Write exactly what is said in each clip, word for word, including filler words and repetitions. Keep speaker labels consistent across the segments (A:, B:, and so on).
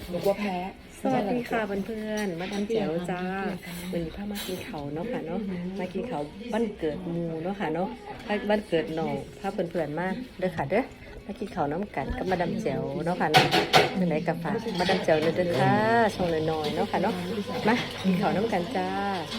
A: หนูกลัวแพ้
B: สวัสดีค่ะเพื่อนๆมาดามแจ๋วจ้าวันนี้พามากินเขาเนาะค่ะเนาะมากินเขาบ้านเกิดหมูเนาะค่ะเนาะบ้านเกิดน้องพาเพื่อนๆมาเด้อค่ะเด้อมากินเขาน้ำกันกับมาดามแจ๋วเนาะค่ะเนาะเป็นไหนกับฝากมาดามแจ๋วเด้อค่ะช่องน้อยๆเนาะค่ะเนาะมากินเขาน้ำกันจ้า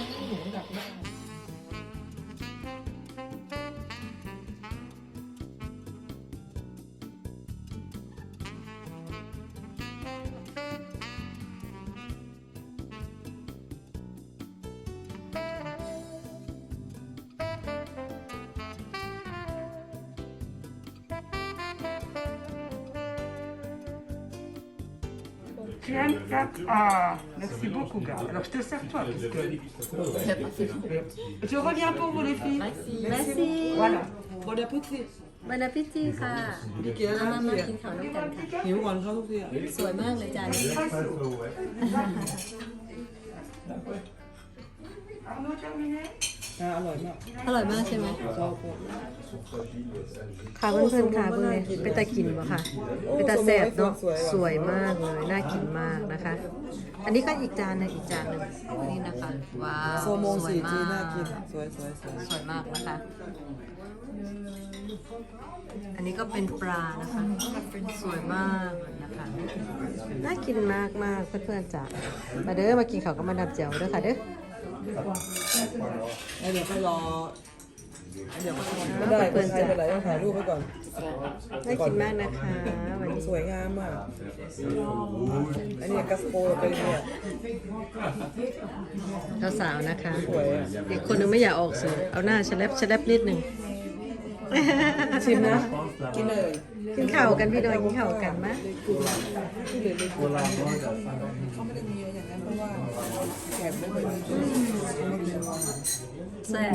C: Tiens, tape. Ah, merci beaucoup, gars. Alors, je te sers toi, parce que... Je reviens pour vous, les filles.
B: Merci Merci
C: Voilà.
A: Bon appétit
B: บรรพิธีค่ะ
A: ดีเกียร์
B: มา
A: นะ
B: มา
A: เกียร์
B: กินเขาน้ำกันค่ะ
A: หิวก่อนเข้าทุกทีอ่ะ
B: สวยมากเลยจานนี้
C: Arnaud, terminé?
A: อ่าอร่อยมาก
B: อร่อยมากใช่ไหม
A: ชอบมาก
B: ค่ะเพื่อนๆค่ะเพื่อนๆเป็นตากินปะค่ะเป็นตาแซ่บเนาะสวยมากเลยน่ากินมากนะคะ อันนี้ก็อีกจานหนึงอีกจานหนึ่งนี่นะคะว้าว
A: โซโมง
B: สวย
A: สี่
B: มา
A: จี
B: ก
A: น่ากินสวยสวยสวย
B: สวยมากนะคะ อันนี้ก็เป็นปลานะคะสวยมากเลยนะคะน่ากินมากมากๆเพื่อนๆจ้ะมาเด้อมากินข้าวกับมาดามแจ๋วเด้อค่ะเด้อ
A: แล้วเดี๋ยวก็รอเดี๋ยวก็ไม่ได้คนไทยไปไหนต้องถ่ายรูปไว้ก่อน
B: น่ากินมากนะคะวันนี้
A: สวยงามมากอันนี้กัสโปเป็นเนี่ย
B: สาวๆนะคะ
A: สวยอ่ะ
B: อีกคนนึงไม่อยากออกสื่อเอาหน้าฉลับฉลับนิดหนึ่ง
A: ชิมนะกินเลย
B: กินข้าวกันพี่ดอยกินข้าวกันมะ
A: เขาไม่ได้มีอย่างนั้นเพราะว่าแขกไม่ค่อยมี
B: แซ่บ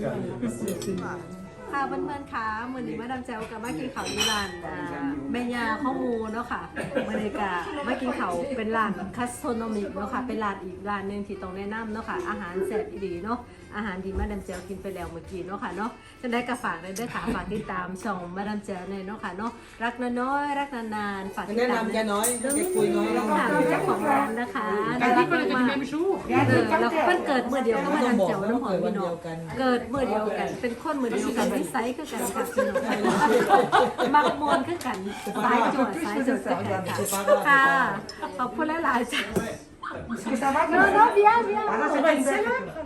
B: ค่ะเพื่อนๆคะมือนี้มาดามแจวกับมากินข้าวที่ร้านอ่าแม่ยาข้าวหมูเนาะค่ะบรรยากาศมากินข้าวเป็นร้านคัสโทนอมิกเนาะค่ะเป็นร้านอีกร้านหนึ่งที่ต้องแนะนำเนาะค่ะอาหารแซ่บดีเนาะอาหารดีมาดามแจวกินไปแล้วเมื่อกี้เนาะค่ะเนาะจะได้กระฝากเลยด้วยค่ะฝากติดตามช่องมาดามแจวเลยเนาะค่ะเนาะรักน้อยๆรักนานๆฝากติด
A: แนะ
B: ตาม
A: นำแกน้อยแกคุยน้อยแล้ว
B: ค่ะเจ้าของร้านนะคะน่ารักมากๆเออแล้วเพิ่นเกิดเมื่อเดียวก็มาดามแจวน้ำหอมพี่น้องเกิดเมื่อเดียวกันเป็นคนเมื่อเดียวกันนิสัยคือกันค่ะพี่น้องมักมวนคือกันสายจวดสายจวดคือกันค่ะค่ะขอบคุณหลายๆจ้ะ
C: Est-ce que ça va?
B: Non, non, viens, viens.
C: Ah, non, c'est pas une belle.